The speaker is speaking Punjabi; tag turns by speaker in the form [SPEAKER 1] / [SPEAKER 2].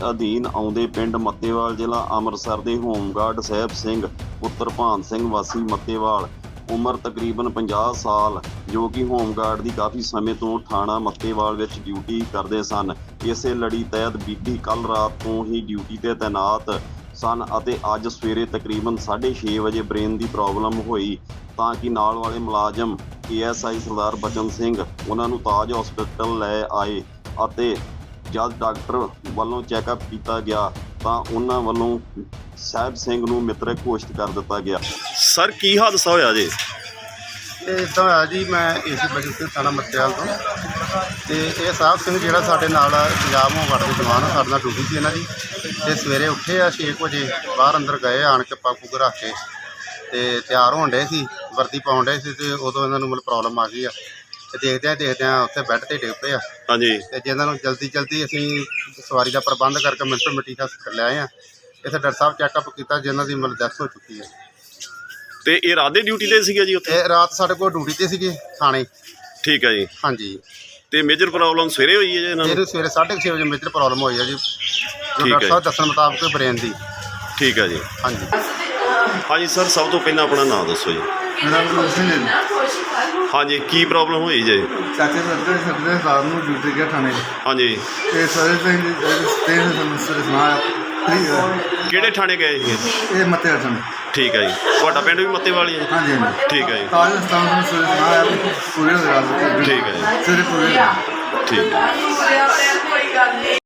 [SPEAKER 1] ਅਧੀਨ ਆਉਂਦੇ ਪਿੰਡ ਮੱਤੇਵਾਲ ਜ਼ਿਲ੍ਹਾ ਅੰਮ੍ਰਿਤਸਰ ਦੇ ਹੋਮਗਾਰਡ ਸਾਹਿਬ ਸਿੰਘ ਪੁੱਤਰ ਭਾਨ ਸਿੰਘ ਵਾਸੀ ਮੱਤੇਵਾਲ ਉਮਰ ਤਕਰੀਬਨ 50 ਸਾਲ ਜੋ ਕਿ ਹੋਮਗਾਰਡ ਦੀ ਕਾਫੀ ਸਮੇਂ ਤੋਂ ਥਾਣਾ ਮੱਤੇਵਾਲ ਵਿੱਚ ਡਿਊਟੀ ਕਰਦੇ ਸਨ। ਇਸੇ ਲੜੀ ਤਹਿਤ ਬੀਤੀ ਕੱਲ੍ਹ ਰਾਤ ਤੋਂ ਹੀ ਡਿਊਟੀ ਤੇ ਤੈਨਾਤ ਸਨ ਅਤੇ ਅੱਜ ਸਵੇਰੇ ਤਕਰੀਬਨ 6:30 ਵਜੇ ਬ੍ਰੇਨ ਦੀ ਪ੍ਰੋਬਲਮ ਹੋਈ ਤਾਂ ਕਿ ਨਾਲ ਵਾਲੇ ਮੁਲਾਜ਼ਮ ASI ਸਰਦਾਰ ਬਚਨ ਸਿੰਘ ਉਹਨਾਂ ਨੂੰ ਤਾਜ ਹਸਪਤਾਲ ਲੈ ਆਏ ਅਤੇ ਜਦ ਡਾਕਟਰ ਵੱਲੋਂ ਚੈੱਕਅਪ ਕੀਤਾ ਗਿਆ ਤਾਂ ਉਹਨਾਂ ਵੱਲੋਂ ਸਾਹਿਬ ਸਿੰਘ ਨੂੰ ਮ੍ਰਿਤਕ ਘੋਸ਼ਿਤ ਕਰ ਦਿੱਤਾ ਗਿਆ। ਸਰ ਕੀ ਹਾਦਸਾ ਹੋਇਆ ਜੀ?
[SPEAKER 2] ਇਹ ਇੱਦਾਂ ਹੋਇਆ ਜੀ, ਮੈਂ ਏਸੀ ਬਜਟ ਸਿੰਘ ਥਾਣਾ ਮੱਤੇਵਾਲ ਤੋਂ ਅਤੇ ਇਹ ਸਾਹਿਬ ਸਿੰਘ ਜਿਹੜਾ ਸਾਡੇ ਨਾਲ ਪੰਜਾਬ ਹੋਮਗਾਰਡ ਦੇ ਜਵਾਨ ਸਾਡੇ ਨਾਲ ਡਿਊਟੀ ਸੀ ਇਹਨਾਂ ਦੀ, ਅਤੇ ਸਵੇਰੇ ਉੱਠੇ ਆ 6 ਵਜੇ ਬਾਹਰ ਅੰਦਰ ਗਏ ਆਣ ਕੇ ਪੱਗ ਪੁੱਗ ਰੱਖ ਕੇ ਅਤੇ ਤਿਆਰ ਹੋਣ ਡੇ ਸੀ, ਵਰਦੀ ਪਾਉਣ ਡੇ ਸੀ ਅਤੇ ਉਦੋਂ ਇਹਨਾਂ ਨੂੰ ਮਤਲਬ ਪ੍ਰੋਬਲਮ ਆ ਗਈ ਆ ਅਤੇ ਦੇਖਦਿਆਂ ਉੱਥੇ ਬੈੱਡ 'ਤੇ ਡਿੱਗ ਪਏ ਆ।
[SPEAKER 1] ਹਾਂਜੀ।
[SPEAKER 2] ਅਤੇ ਜਿਹਨਾਂ ਨੂੰ ਜਲਦੀ ਅਸੀਂ ਸਵਾਰੀ ਦਾ ਪ੍ਰਬੰਧ ਕਰਕੇ ਮਿੰਟੋ ਮਿੰਟੀ ਹਸਪਤਾਲ ਲੈ ਆਏ ਹਾਂ। ਇੱਥੇ ਡਾਕਟਰ ਸਾਹਿਬ ਚੈੱਕਅਪ ਕੀਤਾ ਜਿਨ੍ਹਾਂ ਦੀ ਮਤਲਬ ਡੈਥ ਹੋ ਚੁੱਕੀ ਹੈ।
[SPEAKER 1] ਤੇ ਇਹ ਰਾਤ ਦੇ ਡਿਊਟੀ ਤੇ ਸੀਗਾ ਜੀ ਉੱਥੇ?
[SPEAKER 2] ਇਹ ਰਾਤ ਸਾਡੇ ਕੋਲ ਡਿਊਟੀ ਤੇ ਸੀਗੇ ਥਾਣੇ।
[SPEAKER 1] ਠੀਕ ਹੈ ਜੀ।
[SPEAKER 2] ਹਾਂਜੀ।
[SPEAKER 1] ਤੇ ਮੇਜਰ ਪ੍ਰੋਬਲਮ ਸਵੇਰੇ ਹੋਈ ਹੈ ਜੀ ਇਹਨਾਂ ਨੂੰ?
[SPEAKER 2] ਇਹਨੂੰ ਸਵੇਰੇ 6:30 ਵਜੇ ਮੇਜਰ ਪ੍ਰੋਬਲਮ ਹੋਈ ਹੈ ਜੀ, ਜੋ ਡਾਕਟਰ ਸਾਹਿਬ ਦੱਸਣ ਮੁਤਾਬਕ ਬ੍ਰੇਨ ਦੀ।
[SPEAKER 1] ਠੀਕ ਹੈ ਜੀ।
[SPEAKER 2] ਹਾਂਜੀ।
[SPEAKER 1] ਹਾਂਜੀ ਸਰ, ਸਭ ਤੋਂ ਪਹਿਲਾਂ ਆਪਣਾ ਨਾਮ ਦੱਸੋ ਜੀ।
[SPEAKER 3] ਮੇਰਾ ਨਾਮ ਸਿੰਘ ਹੈ ਜੀ।
[SPEAKER 1] ਹਾਂਜੀ, ਕੀ ਪ੍ਰੋਬਲਮ ਹੋਈ ਜੀ?
[SPEAKER 3] ਚਾਚੇ ਸਾਡੇ ਰਾਤ ਨੂੰ ਡਿਊਟੀ ਗਿਆ ਥਾਣੇ।
[SPEAKER 1] ਹਾਂਜੀ।
[SPEAKER 3] ਇਹ ਸਾਰੇ ਤੇ ਸੁਣਾ
[SPEAKER 1] ਕਿਹੜੇ ਥਾਣੇ ਗਏ ਸੀ?
[SPEAKER 3] ਇਹ ਮੱਤੇ ਅਰਜਨ।
[SPEAKER 1] ਠੀਕ ਹੈ ਜੀ। ਤੁਹਾਡਾ ਪਿੰਡ ਵੀ ਮੱਤੇਵਾਲ ਹੀ ਹੈ?
[SPEAKER 3] ਹਾਂਜੀ ਹਾਂਜੀ।
[SPEAKER 1] ਠੀਕ ਹੈ ਜੀ।
[SPEAKER 3] ਤਾਜ ਸਥਾਨ ਨੂੰ ਸੁਣਾ ਪੂਰੇ ਰਾਤ।
[SPEAKER 1] ਠੀਕ ਹੈ ਜੀ।
[SPEAKER 3] ਸਵੇਰੇ ਪੂਰੇ।
[SPEAKER 1] ਠੀਕ ਹੈ।